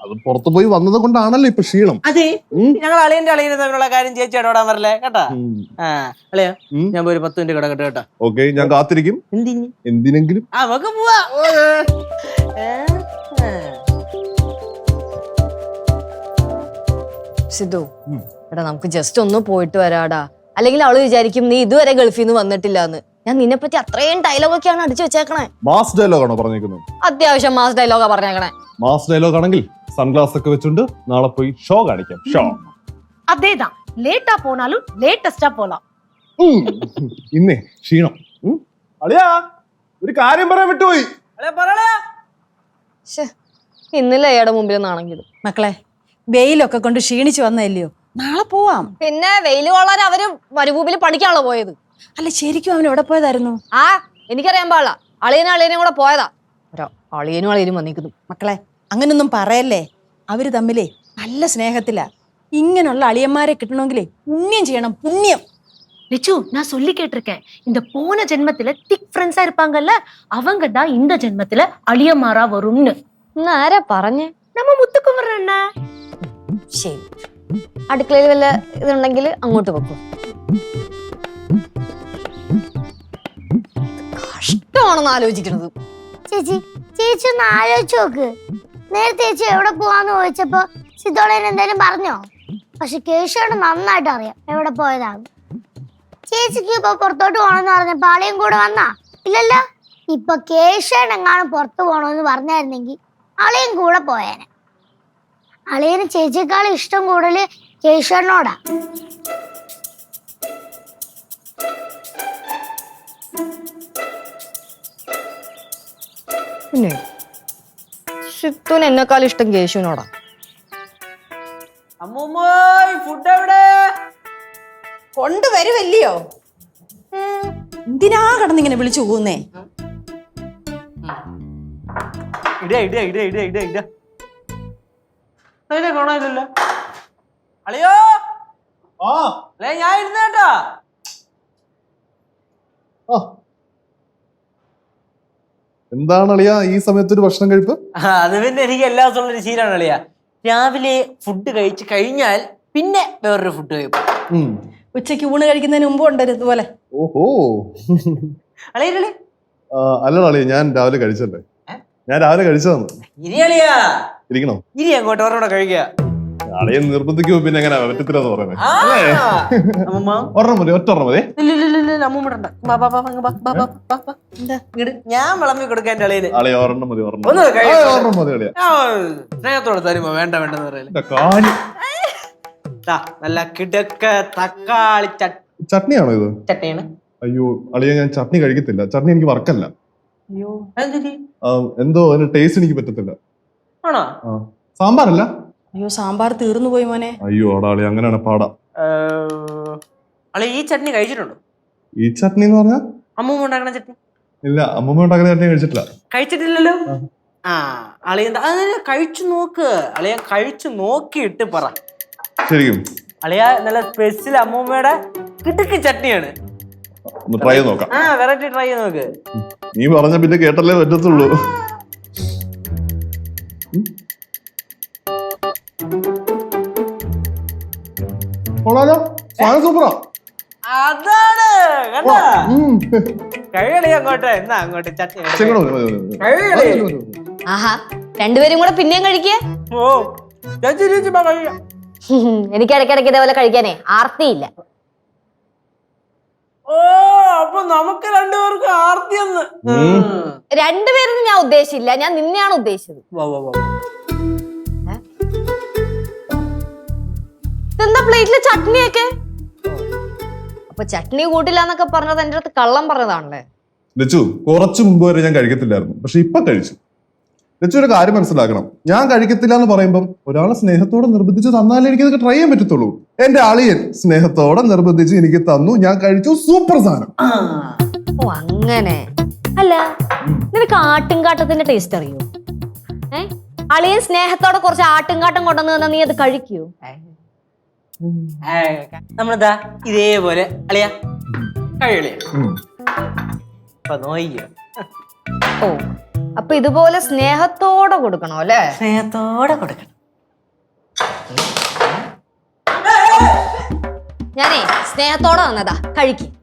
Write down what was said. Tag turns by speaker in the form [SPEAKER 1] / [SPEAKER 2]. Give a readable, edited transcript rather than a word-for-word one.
[SPEAKER 1] അത് പുറത്തു പോയി വന്നത് കൊണ്ടാണല്ലോ ഇപ്പൊ ക്ഷീണം.
[SPEAKER 2] അതെ, ഞങ്ങൾ അളിയന്റെ അളിയനെ തമ്മിലുള്ള കാര്യം ചേച്ചി ഇടപെടാൻ വരല്ലേ കേട്ടാ. അളിയാ ഞാൻ പോയി 10 മിനിറ്റ് കിടക്കട്ടെ കേട്ടാ.
[SPEAKER 1] ഓക്കെ, ഞാൻ കാത്തിരിക്കും. എന്തിനെങ്കിലും
[SPEAKER 2] നമുക്ക് പോവാ.
[SPEAKER 3] സിദ്ധു, എടാ നമുക്ക് ജസ്റ്റ് ഒന്ന് പോയിട്ട് വരാടാ. അല്ലെങ്കിൽ അവള് വിചാരിക്കും നീ ഇതുവരെ ഗൾഫിൽ നിന്ന് വന്നിട്ടില്ലാന്ന്. ഞാൻ നിന്നെ പറ്റി അത്രയും ഡയലോഗൊക്കെയാണ് അടിച്ചു വെച്ചേക്കണേ.
[SPEAKER 1] മാസ് ഡയലോഗാണോ പറഞ്ഞേക്കുന്നത്?
[SPEAKER 3] അത്യാവശ്യം മാസ് ഡയലോഗാ പറഞ്ഞേക്കണേ.
[SPEAKER 1] മാസ് ഡയലോഗ് ആണെങ്കിൽ സൺഗ്ലാസ് ഒക്കെ വെച്ചുകൊണ്ട് നാളെ പോയി ഷോ കാണിക്കാം. ഷോ
[SPEAKER 4] അതേதான், ലേറ്റാ പോണാലും ലേറ്റസ്റ്റാ പോലാം.
[SPEAKER 1] ഇന്നേ ക്ഷീണം. അളിയാ ഒരു കാര്യം പറയാൻ വിട്ടുപോയി.
[SPEAKER 3] ഇന്നലെ അയാളുടെ മുമ്പിൽ നാണെങ്കിലും.
[SPEAKER 5] മക്കളെ, വെയിലൊക്കെ കൊണ്ട് ക്ഷീണിച്ചു വന്നല്ലയോ, നാളെ പോവാം.
[SPEAKER 3] പിന്നെ വെയില് കൊള്ളാൻ അവര് മരുഭൂമിയിൽ പഠിക്കാണല്ലോ പോയത്.
[SPEAKER 5] അല്ല, ശരിക്കും അവൻ എവിടെ പോയതായിരുന്നു?
[SPEAKER 3] എനിക്കറിയാൻ പാടില്ല. അളിയനും കൂടെ പോയതാ. അളിയനും വന്നിരിക്കുന്നു.
[SPEAKER 5] മക്കളെ, അങ്ങനൊന്നും പറയല്ലേ. അവര് തമ്മിലേ നല്ല സ്നേഹത്തിലാ. ഇങ്ങനെയുള്ള അളിയന്മാരെ കിട്ടണമെങ്കിലേ പുണ്യം ചെയ്യണം, പുണ്യം.
[SPEAKER 4] லிச்சு, நான் சொல்லி கேட்டிருக்கேன். இந்த போன ஜென்மத்துல திக் ஃப்ரெண்ட்ஸா இருப்பாங்கல்ல, அவங்க தான் இந்த ஜென்மத்துல அழியமாறா வரும்னு.
[SPEAKER 3] ആരാ പറഞ്ഞേ?
[SPEAKER 4] நம்ம முத்துக்குமர் அண்ணா.
[SPEAKER 3] ശരി, അടുക്കളയിൽ വല്ല ഇതുണ്ടെങ്കിൽ അങ്ങോട്ട് വെക്കും. കഷ്ടമാണെന്ന് ആലോചിക്കണത്.
[SPEAKER 6] ചേച്ചി ഒന്ന് ആലോചിച്ച് നോക്ക്. നേരത്തെ ചേച്ചി എവിടെ പോവാന്ന് ചോദിച്ചപ്പോ സിദ്ധോളേന് എന്തായാലും പറഞ്ഞോ? പക്ഷെ കേശോട് നന്നായിട്ട് അറിയാം എവിടെ പോയതാണ്. ചേച്ചിക്ക് ഇപ്പൊ പുറത്തോട്ട് പോണെന്ന് പറഞ്ഞപ്പോ അളിയും കൂടെ വന്നാ? ഇല്ലല്ലോ. ഇപ്പൊ കേശോട് എങ്ങാനും പുറത്തു പോണോന്ന് പറഞ്ഞായിരുന്നെങ്കിൽ അളിയും കൂടെ പോയേനെ. അളിയന് ചേച്ചിയേക്കാളും ഇഷ്ടം കൂടുതല് കേശോടിനോടാ.
[SPEAKER 3] പിന്നെ സിത്തുന് എന്നെക്കാളും ഇഷ്ടം കേശുവിനോടാ.
[SPEAKER 2] ഫുഡ് എവിടെ
[SPEAKER 5] കൊണ്ടുവരുമല്ലയോ? എന്തിനാ കടന്നിങ്ങനെ വിളിച്ചു പോകുന്നേ?
[SPEAKER 2] കാണാനില്ലല്ലോ. അളിയോ ഞാൻ ഇരുന്നേട്ടാ.
[SPEAKER 1] എന്താണ് അളിയാ ഈ സമയത്ത് ഒരു ഭക്ഷണം കഴിപ്പ്?
[SPEAKER 2] അത് പിന്നെ എനിക്ക് എല്ലാ ദിവസവും ഉള്ളൊരു ശീലമാണ് അളിയാ. രാവിലെ ഫുഡ് കഴിച്ച് കഴിഞ്ഞാൽ പിന്നെ വേറൊരു ഫുഡ് കഴിക്കും.
[SPEAKER 5] ഉച്ചയ്ക്ക് ഊണ് കഴിക്കുന്നതിന് മുമ്പ് ഉണ്ടല്ലോ ഇതുപോലെ.
[SPEAKER 1] ഓഹോ,
[SPEAKER 2] അളിയല്ലേ?
[SPEAKER 1] അല്ലടാ അളിയ, ഞാൻ രാവിലെ കഴിച്ചല്ലേ. ഞാൻ രാവിലെ കഴിച്ചതാണ്.
[SPEAKER 2] ഇരി അളിയാ,
[SPEAKER 1] ഇരിക്കണോ?
[SPEAKER 2] ഇരി അങ്ങോട്ട് ഒരെണ്ണം കഴിക്കുക.
[SPEAKER 1] അളിയെ നിർബന്ധിക്കുമ്പോ പിന്നെ എങ്ങനെ പറ്റത്തില്ലെന്ന് പറയുന്നത്? ഒരെണ്ണം മതി, ഒറ്റ മതി.
[SPEAKER 2] ഞാൻ വിളമ്പി കൊടുക്കാൻ അളിയന്.
[SPEAKER 1] അളിയ ഒരെണ്ണം മതി, ഒരെണ്ണം മതി അളിയ.
[SPEAKER 2] സ്നേഹത്തോടെ തരുമ്പോ വേണ്ട വേണ്ടെന്ന് പറയല്. നല്ല കിടക്ക തക്കാളി
[SPEAKER 1] ചട്നിയാണോ ഇത്?
[SPEAKER 2] ചട്നിയാണ്.
[SPEAKER 1] അയ്യോ അളിയ, ഞാൻ ചട്നി കഴിക്കത്തില്ല. ചട്നി എനിക്ക് വർക്കല്ല. എന്തോ അതിന്റെ ടേസ്റ്റ് എനിക്ക് പറ്റത്തില്ല.
[SPEAKER 2] ആണോ?
[SPEAKER 1] സാമ്പാറല്ല.
[SPEAKER 5] അയ്യോ, സാമ്പാർ തീർന്നു പോയി മോനെ.
[SPEAKER 1] അയ്യോ അടാളി, അങ്ങനെയാണ് പാടാ.
[SPEAKER 2] അളി ഈ ചട്നി കഴിച്ചിട്ടുണ്ടോ?
[SPEAKER 1] ഈ ചട്നി എന്ന് പറഞ്ഞാ
[SPEAKER 2] അമ്മൂമ്മ ഉണ്ടാക്കണ ചട്നി?
[SPEAKER 1] ഇല്ല, അമ്മൂമ്മ ഉണ്ടാക്കുന്ന ചട്നി കഴിച്ചിട്ടില്ല.
[SPEAKER 2] കഴിച്ചിട്ടില്ലല്ലോ. അളിയ അതിന് കഴിച്ചു നോക്ക്. അളിയ കഴിച്ചു നോക്കിയിട്ട് പറ.
[SPEAKER 1] ശരിക്കും
[SPEAKER 2] അളിയ നല്ല സ്പെഷ്യൽ അമ്മൂമ്മയുടെ കിടുക്ക് ചട്നിയാണ്.
[SPEAKER 1] ട്രൈ ചെയ്ത് നോക്കാം.
[SPEAKER 2] വെറൈറ്റി ട്രൈ ചെയ്ത് നോക്ക്.
[SPEAKER 1] നീ പറഞ്ഞ പിന്നെ കേട്ടല്ലേ പറ്റത്തുള്ളൂ. സൂപ്പറാ.
[SPEAKER 2] അതാണ് കഴിയളി അങ്ങോട്ട്. എന്നാ അങ്ങോട്ട് ചട്നി
[SPEAKER 3] ആഹാ, രണ്ടുപേരും കൂടെ പിന്നെയും കഴിക്കേ.
[SPEAKER 2] ഓ കഴിയാം.
[SPEAKER 3] എനിക്ക് ഇടയ്ക്കിടയ്ക്ക് ഇതേപോലെ കഴിക്കാനേ ആർത്തിയില്ല.
[SPEAKER 2] ഓ, അപ്പൊ നമുക്ക് രണ്ടുപേർക്കും ആർത്തിയെന്ന്.
[SPEAKER 3] രണ്ടുപേരും ഞാൻ ഉദ്ദേശിച്ചില്ല, ഞാൻ നിന്നെയാണ് ഉദ്ദേശിച്ചത്. ഇതെന്താ പ്ലേറ്റിലെ ചട്നിയൊക്കെ? അപ്പൊ ചട്നി കൂട്ടില്ലാന്നൊക്കെ പറഞ്ഞത് എന്റെ അടുത്ത് കള്ളം പറഞ്ഞതാണല്ലേ?
[SPEAKER 1] ലച്ചു, കുറച്ചു മുമ്പ് വരെ ഞാൻ കഴിക്കത്തില്ലായിരുന്നു, പക്ഷെ ഇപ്പൊ കഴിച്ചു. ലച്ചു ഒരു കാര്യം മനസ്സിലാക്കണം. ഞാൻ കഴിക്കത്തില്ല എന്ന് പറയുമ്പം ഒരാളെ സ്നേഹത്തോടെ നിർബന്ധിച്ച് തന്നാലേ എനിക്ക് ഇതൊക്കെ ട്രൈ ചെയ്യാൻ പറ്റത്തുള്ളൂ. എന്റെ അളിയൻ സ്നേഹത്തോടെ നിർബന്ധിച്ച് എനിക്ക് തന്നു, ഞാൻ കഴിച്ചു. സൂപ്പർ സാധനം.
[SPEAKER 3] ഓ അങ്ങനെ. അല്ല, നിനക്ക് ആട്ടുംകാട്ടത്തിന്റെ ടേസ്റ്റ് അറിയോ? അളിയൻ സ്നേഹത്തോടെ കുറച്ച് ആട്ടുംകാട്ടം കൊണ്ടുവന്ന് തന്നാ നീ അത് കഴിക്കൂ?
[SPEAKER 2] നമ്മളിതാ ഇതേപോലെ അളിയ കഴിയളിയ. അപ്പൊ നോയ്യ
[SPEAKER 3] ഓ അപ്പൊ ഇതുപോലെ സ്നേഹത്തോടെ കൊടുക്കണോ അല്ലേ?
[SPEAKER 2] സ്നേഹത്തോടെ കൊടുക്കണം.
[SPEAKER 3] ഞാനേ സ്നേഹത്തോടെ വന്നതാ, കഴിക്കും.